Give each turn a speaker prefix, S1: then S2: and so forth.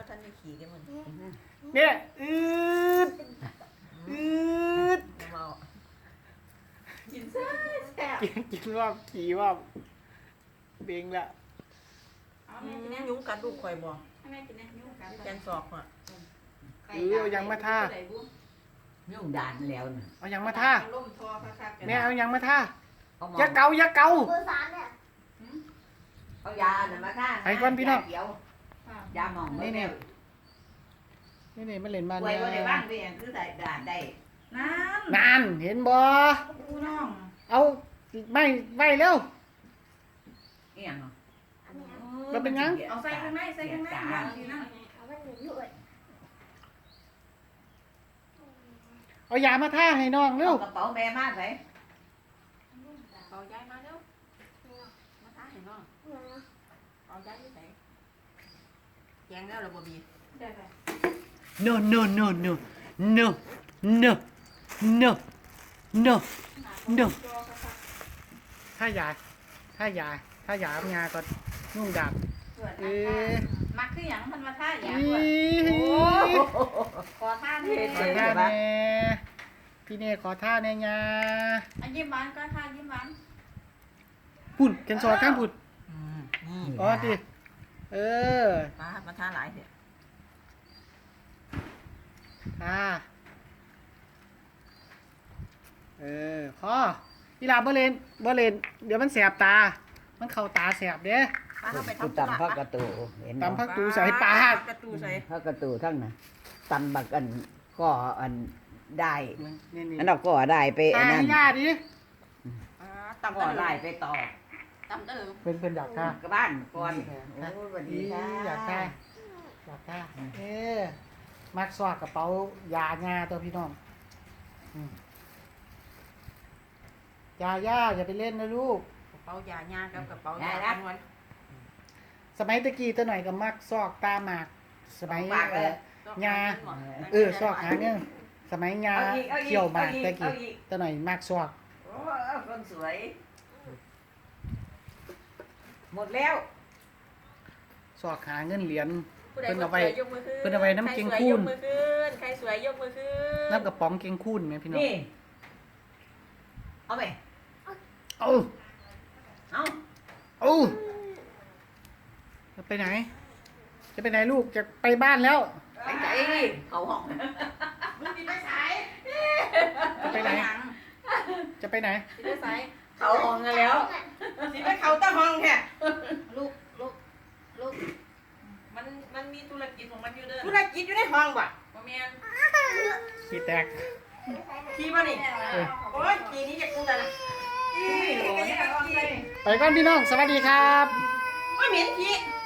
S1: บ่ทันได้ขี่ได้มัน
S2: เนี่ยอืดอืด
S1: เมา
S3: กินแซ่บ
S2: กินว่าขี่ว่าเบงละ
S3: เอาแม่กินแน่
S1: ยุงกัดลูกข่อยบ่
S3: ให้แม่กินแน่นิ้วกัน
S1: แกนศอกอ่ะ
S2: เอายังมาท่า
S4: ยุ่งด่านแล้วน่ะ
S2: เอายังมาท่า
S3: ล่มทอคักๆกัน
S2: แม่เอายังมาท่า
S4: เอาหมอ
S2: อย่าเกาอย่าเกา
S5: เบอร์สามเนี่ย
S4: เอายาน่ะมาท่า
S2: ไปก่อนพี่น้อง
S4: ยาเขียว
S3: ค่ะ
S4: ยาหมอง
S2: นี่นี่นี่มาเล่นบ้าน
S4: ไว้
S2: เนี่ย
S4: บ่ได้บ้างเพียงคือได้ด่านได้
S3: นั่น
S2: นานเห็นบ่
S3: กูน้อง
S2: เอาไม่ไว้เร็ว
S4: อีหยังเนาะ
S2: มันเป็นหยัง
S3: เอาใส่ข้างในใส่ข้างในเอาสินะ
S5: เอามันหนึ่งด้วย
S2: เอายามาท่าให้น้องเร็ว
S4: เอากระเป๋าแม่มาใส่
S1: เอาย้ายมาเร็วมาท้าให้น้องเอาย้ายที่ไหนแกงแล้วเหรอบ่บี
S3: ได้ไป
S2: no no no no no no no no no ถ้ายาถ้ายาถ้ายาเอายาก่อนนุ่งดาบ
S3: เกิด
S2: เอ๊ะ
S3: มักคือหยังมันมาท่าห
S2: อี
S3: ยังด้วยขอท่านี่
S2: ขอท่าแน่พี่เน่ขอท่าแน่ยา
S3: อันยิ้มหวานก็ท่ายิ้มหวาน
S2: พุ่นกันซอข้างพุ่น
S1: นี่
S2: อ๋อดิเออ
S1: มาท้าหลายเถอะ
S2: ท่าเออพอพี่ลาบ่เล่นเดี๋ยวมันแสบตา มันเข้าตาแสบเด้
S1: มาเข้าไป
S4: กู
S1: ทำ
S4: ตำพักกระตูเห็น
S2: ตำพักตูใส่ปาก
S1: กระตูใส่
S4: พักกระตูทั้งน่ะตำบักอันก็อันได้
S2: นี่นี่
S4: อันเราก็ได้ไปอั
S2: ตาน
S4: นั้น
S2: ให้ย่าดิ
S1: ตำ
S4: ก็
S1: ก็
S4: ได้
S1: ได้
S4: ไปต่อ
S1: ตำเด้อ
S2: เป็นอยากท่า
S4: กับบ้านก่อนโอ้สวัสดี
S2: อี
S4: ค่ะ
S2: อยากท่าอยากท่าเอ๊มักซอกกระเป๋ายาญาตัวพี่น้องยาย่าอย่าไปเล่นนะลูก
S1: กระเป๋ายาญากับกระเป๋ายาคำนวณ
S2: สมัยตะกี้ตัวหน่อยก็มักซอกตาหมาก สมัยยาซอกหาเนี่ยสมัยยาเขี่ยวหมากตะกี้ตัวหน่อยมักซอก
S4: โอ้คนสวย หมดแล้ว
S2: ซอกหาเงินเหรียญ
S1: เพิ่นเอาไว้ยกมือขึ้น
S2: เพิ่นเอาไว้น้ำเกงคูน
S1: ใครสวยยกมือขึ้น
S2: น้ำกระป๋องเกงคูนไหมพี่น้อง
S4: นี่เอาไป
S2: เอา
S4: เอา
S2: เอาจะไปไหน จะไปไหนลูกจะไปบ้านแล้ว
S4: ไปไหนเขาห้อง
S3: มึงสิไปสาย
S2: จะไปไหน จะไปไหน
S3: สิไปสาย
S4: เขาห้องกันแล้ว
S3: สิไปเขาตะห้องแท้
S1: ลูกมันมีธุรกิจของมันอยู่เด้อ
S3: ธุรกิจอยู่ในห้องบ่
S1: บ่แม่น
S2: ขี้แตก
S3: ขี่บ่นี่โอ้ยขี่นี้อยากกูแต่ละขี่ก็ยังขี่
S2: ไปก่อนพี่น้อง สวัสดีครับ
S3: ว่าเหม็นขี่